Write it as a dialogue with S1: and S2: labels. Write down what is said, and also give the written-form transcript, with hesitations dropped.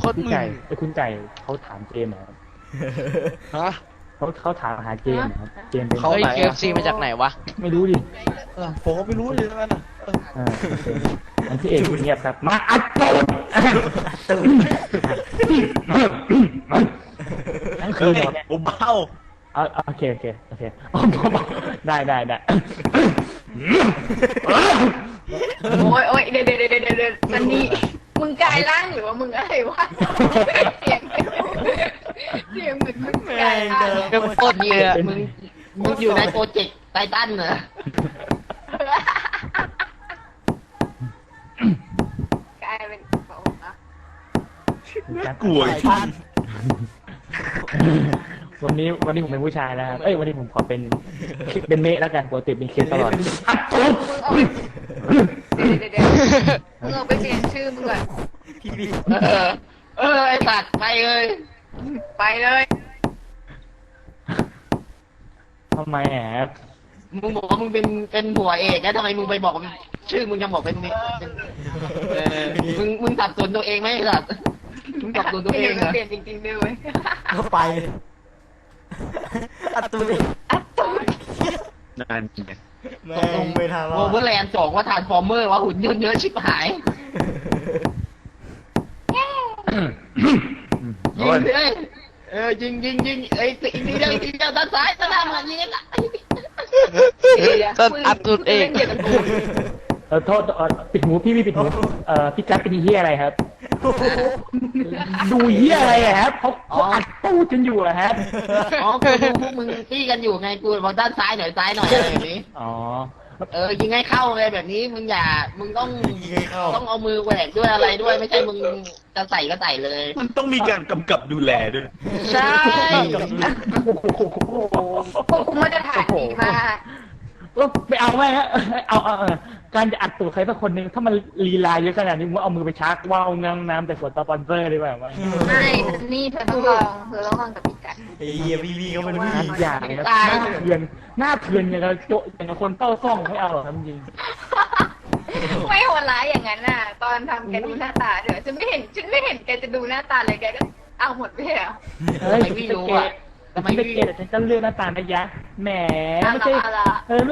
S1: ตรมึน
S2: คุณไก่เขาถามเจมส์เหรอ
S1: ฮะ
S2: เขาถามหาเจมส์เหรอครับเจมส์เป็น
S1: เขา
S3: เฮ้ย
S1: ไหนอะ
S3: KFC มาจากไหนวะ
S2: ไม่รู้ดิ
S1: ผมก็ไม่รู้เลยนั่นน่ะ
S2: โอเคอันที่เอกเงียบครับมาอัดตูดนั่นคือเนี่ย
S1: ผมเบ้า
S2: โอเคได้
S4: โอ้ยเดี๋ยวอันนี้มึงกลายร่างหรือว่ามึงอะไรวะเสียงเหมือนมึงกลายร่าง
S3: ก็โคตรเยอะ
S5: มึงอยู่ในโปรเจกต์ไททันเหรอก
S4: ลายเป็นเขาอะ
S1: กลัว
S2: วันนี้ผมเป็นผู้ชายแล้วครับวันนี้ผมขอเป็นเมฆแล้วกันปกติเป็นเคสตลอดอัดตูด
S4: มึงเอาไปเปลี่ยนชื่อมึงก่อน
S5: ไอ้สัตว์ไปเลย
S4: ไปเลย
S2: ทำไมครับ
S5: มึงบอกว่ามึงเป็นหัวเอกแล้วทำไมมึงไปบอกชื่อมึงยังบอกเป็นมึงสับสนตัวเองไหมไอ้สัตว์มึงสับสนตัวเองเหรอ
S4: เปลี่ยนจริงๆด้วย
S6: ก็ไปอัดตัวเอง
S4: อัดตูด
S1: นั่นไง
S6: แม่งไม่ทัน
S5: โอเวอร์แลนด์2ว่าทานฟอร์เมอร์ว่าหุ่นยนต์เยอะชิบหายยิงเลยยิงไอ้ตีนี่ได้ตีด้านซ้ายด้านหน้ามันยิงละ
S3: ต้นอัดตูดเอง
S2: โทษปิดหูพี่ปิดหูพี่จัดเป็นเฮียอะไรครับ ดูเฮียอะไรครับเขาอัดตู้จนอยู่อะครับ
S5: อ๋อกูดูพวกมึงตีกันอยู่ไงกูบอกด้านซ้ายหน่อยอะไรแบบนี้
S2: อ๋อ
S5: ยิงให้เข้าเลยแบบนี้มึงต้องเอามือแหวกด้วยอะไรด้วยไม่ใช่มึงจะใส่ก็ใส่เลย
S1: มันต้องมีการกำกับดูแลด้วย
S5: ใช่
S4: พวกกูมาตรฐานดีมาก
S2: ไม่เอาไม่ฮะเอาการจะอัดตูดใครสักคนหนึ่งถ้ามันลีลาเยอะขนาดนี้มึงเอามือไปชักว่าวน้ำแต่ส่วนสปอนเซอร์ดีกว่ามั้ง
S4: ไม่นี่เธอต้องลองกับพี่กัน
S6: ไอ้เหี้ยพี่เขาเป็นผู้หญิง
S2: อย่างนะหน้าเถื่อนอย่างกับโจอย่างกับคนเต้าซ่องไม่เอาหรอกจริง
S4: ไม่โหดร้ายอย่างนั้นน่ะ ตอนทำแกดูหน้าตาเดี๋ยวฉันไม่เห็นแกจะดูหน้าตาเลยแกก็เอาหมดไปเหรอ
S2: เฮ้ยทำไมไม่รู้อ่ะทำไมไม่เกลียดฉันก็เลือกหน้าตานะยะแหมไม่ใช่